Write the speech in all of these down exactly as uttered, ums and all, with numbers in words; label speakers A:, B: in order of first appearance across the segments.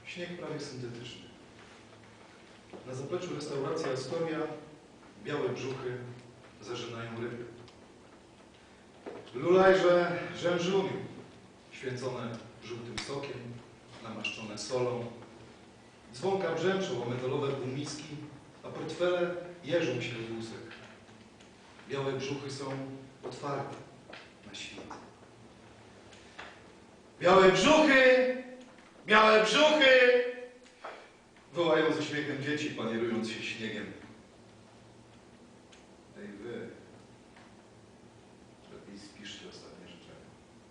A: Śnieg prawie syntetyczny. Na zapleczu restauracji Astoria białe brzuchy zażynają ryby. Lulajże rzężuniu, święcone żółtym sokiem, namaszczone solą. Dzwonka brzęczą o metalowe półmiski, a portfele jeżą się w łusek. Białe brzuchy są otwarte na świt. Białe brzuchy! Białe brzuchy! Wołają ze śmiechem dzieci, panierując się śniegiem. Ej wy, lepiej spiszcie ostatnie życzenia.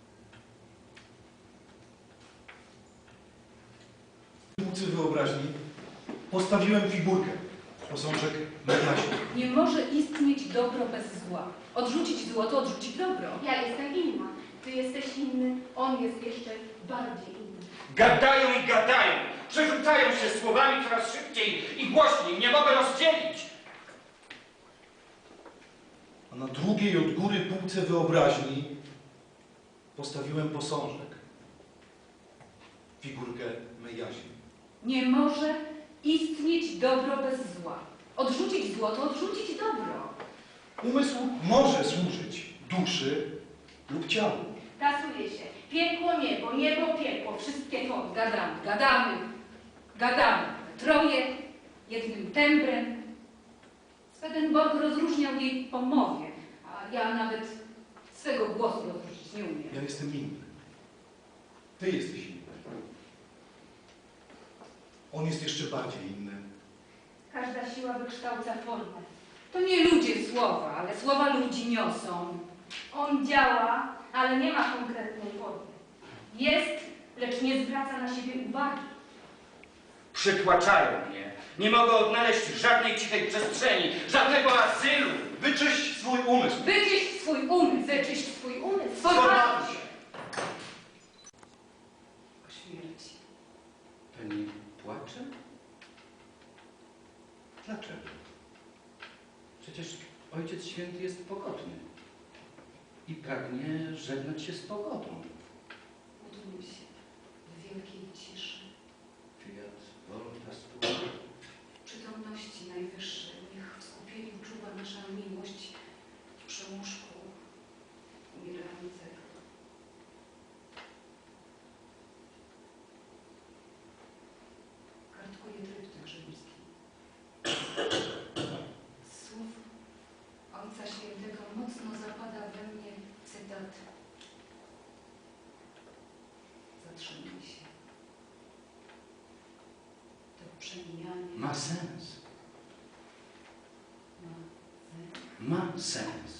A: Półcy wyobraźni postawiłem figurkę, posążek Mediasie.
B: Nie może istnieć dobro bez zła. Odrzucić zło to odrzucić dobro.
C: Ja jestem inna. Ty jesteś inny, on jest jeszcze bardziej inny.
D: Gadają i gadają, przerzucają się słowami coraz szybciej i głośniej. Nie mogę rozdzielić.
A: A na drugiej od góry półce wyobraźni postawiłem posążek, figurkę Mediasi.
B: Nie może istnieć dobro bez zła. Odrzucić zło to odrzucić dobro.
A: Umysł może służyć duszy lub ciału.
C: Tasuje się. Piekło, niebo, niebo, piekło. Wszystkie to.
B: Gadamy, gadamy, gadamy. Troje, jednym tembrem. Swedenborg rozróżniał jej po mowie, a ja nawet swego głosu rozróżnić nie umiem.
A: Ja jestem inny. Ty jesteś inny. On jest jeszcze bardziej inny.
C: Każda siła wykształca formę.
B: To nie ludzie słowa, ale słowa ludzi niosą.
C: On działa, ale nie ma konkretnej formy. Jest, lecz nie zwraca na siebie uwagi.
D: Przytłaczają mnie. Nie mogę odnaleźć żadnej cichej przestrzeni, żadnego azylu.
A: Wyczyść swój umysł.
B: Wyczyść swój umysł.
C: Wyczyść swój umysł.
B: Sformatuj się. O śmierci.
E: Pani płacze? Dlaczego? Przecież Ojciec Święty jest pogodny i pragnie żegnać się z pogodą.
B: Módlmy się w wielkiej ciszy,
E: Fiat voluntas tua.
B: w przytomności Najwyższej. Niech w skupieniu czuwa nasza miłość przy łóżku umierającego. Kartkuje tryptyk rzymski. Z słów Ojca Świętego mocno zapada we mnie cytat: zatrzymaj się. To przemijanie
E: Ma sens.
B: ma sens.
E: Ma sens.